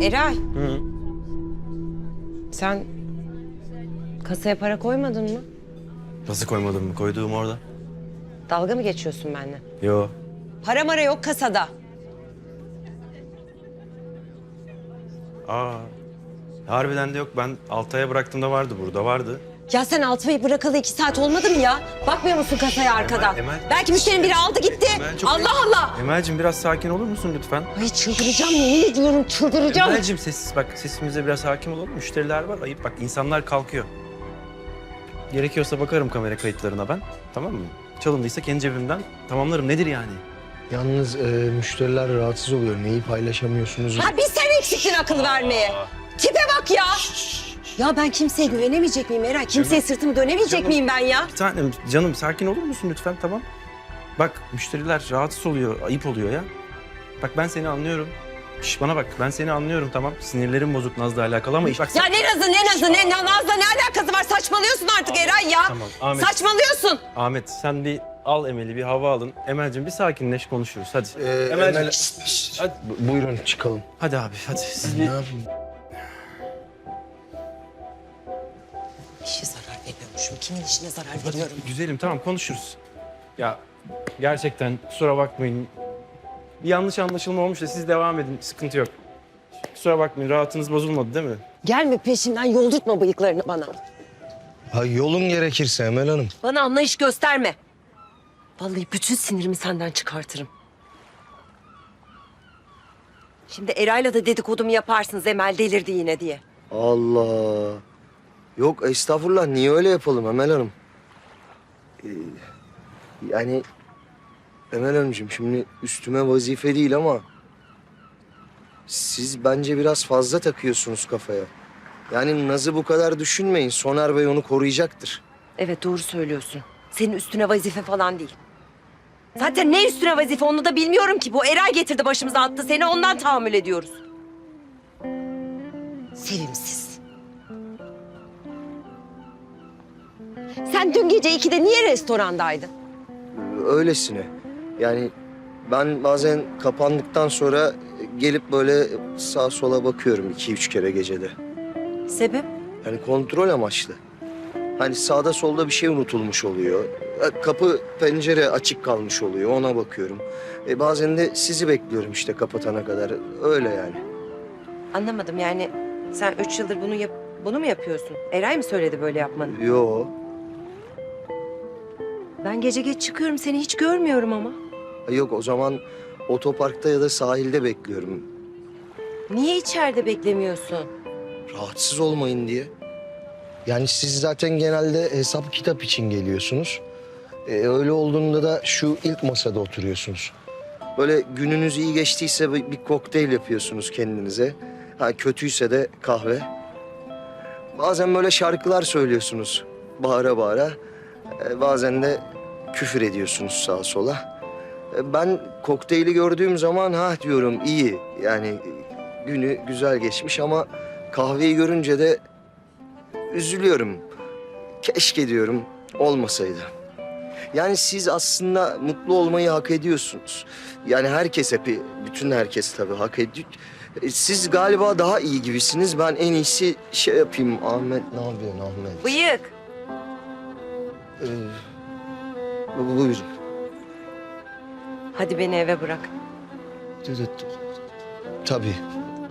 Eray, Hı. sen kasaya para koymadın mı? Nasıl koymadım mı? Koyduğum orada. Dalga mı geçiyorsun benimle? Yo. Para mara yok kasada. Aa. Harbiden de yok. Ben Altay'a bıraktığımda vardı, burada vardı. Ya sen Altıbay'ı bırakalı 2 saat olmadı mı ya? Bakmıyor musun kasaya arkadan? Emel. Belki müşterinin biri aldı gitti. Emel, çok Allah Allah! Emel'cim biraz sakin olur musun lütfen? Ay çıldıracağım, yemin ediyorum çıldıracağım. Emel'cim sessiz bak. Sesimize biraz hakim olalım. Müşteriler var. Ayıp bak. İnsanlar kalkıyor. Gerekiyorsa bakarım kamera kayıtlarına ben. Tamam mı? Çalındıysa kendi cebimden tamamlarım. Nedir yani? Yalnız müşteriler rahatsız oluyor. Neyi paylaşamıyorsunuz? Ha bir sen eksiktin akıl vermeye. Tipe bak ya! Ya ben kimseye güvenemeyecek miyim Eray? Kimseye sırtımı dönemeyecek Canım. miyim ben ya? Bir tanem canım sakin olur musun lütfen, tamam? Bak müşteriler rahatsız oluyor, ayıp oluyor ya. Bak ben seni anlıyorum. Şş, bana bak, ben seni anlıyorum, tamam. Sinirlerim bozuk Naz'la alakalı ama bak... Ya ne Naz'la ne alakası var? Saçmalıyorsun artık Eray ya. Tamam, Ahmet. Saçmalıyorsun. Ahmet sen bir al Emel'i, bir hava alın. Emel'cim bir sakinleş, konuşuruz hadi. Emel, Hadi. buyurun çıkalım. Hadi abi hadi siz bir... Ne yapayım? İşe zarar veriyormuşum. Kimin işine zarar veriyorum? Güzelim tamam konuşuruz. Ya gerçekten kusura bakmayın. Bir yanlış anlaşılma olmuş da siz devam edin, sıkıntı yok. Kusura bakmayın, rahatınız bozulmadı değil mi? Gelme peşimden yoldurtma bıyıklarını bana. Ha, yolun gerekirse Emel Hanım. Bana anlayış gösterme. Vallahi bütün sinirimi senden çıkartırım. Şimdi Eray'la da dedikodumu yaparsınız Emel delirdi yine diye. Allah. Yok estağfurullah, niye öyle yapalım Emel Hanım? Yani Emel Hanımcığım şimdi üstüme vazife değil ama siz bence biraz fazla takıyorsunuz kafaya. Yani Naz'ı bu kadar düşünmeyin. Soner Bey onu koruyacaktır. Evet doğru söylüyorsun. Senin üstüne vazife falan değil. Zaten ne üstüne vazife onu da bilmiyorum ki. Bu Eray getirdi başımıza attı seni ondan tahammül ediyoruz. Sevimsiz. Sen dün gece 2'de niye restorandaydın? Öylesine. Yani ben bazen kapandıktan sonra gelip böyle sağa sola bakıyorum 2-3 kere gecede. Sebep? Yani kontrol amaçlı. Hani sağda solda bir şey unutulmuş oluyor. Kapı pencere açık kalmış oluyor, ona bakıyorum. Bazen de sizi bekliyorum işte kapatana kadar. Öyle yani. Anlamadım yani sen 3 yıldır bunu mu yapıyorsun? Eray mı söyledi böyle yapmanı? Yo. Ben gece geç çıkıyorum seni hiç görmüyorum ama. Yok, o zaman otoparkta ya da sahilde bekliyorum. Niye içeride beklemiyorsun? Rahatsız olmayın diye. Yani siz zaten genelde hesap kitap için geliyorsunuz. Öyle olduğunda da şu ilk masada oturuyorsunuz. Böyle gününüz iyi geçtiyse bir kokteyl yapıyorsunuz kendinize. Ha, kötüyse de kahve. Bazen böyle şarkılar söylüyorsunuz bağıra bağıra. Bazen de küfür ediyorsunuz sağa sola. Ben kokteyli gördüğüm zaman ha diyorum iyi. Yani günü güzel geçmiş ama kahveyi görünce de üzülüyorum. Keşke diyorum olmasaydı. Yani siz aslında mutlu olmayı hak ediyorsunuz. Yani herkes bütün herkes tabii hak ediyor. Siz galiba daha iyi gibisiniz. Ben en iyisi şey yapayım. Ahmet ne yapıyorsun Ahmet? Bıyık. Buyurun. Hadi beni eve bırak. Tabii.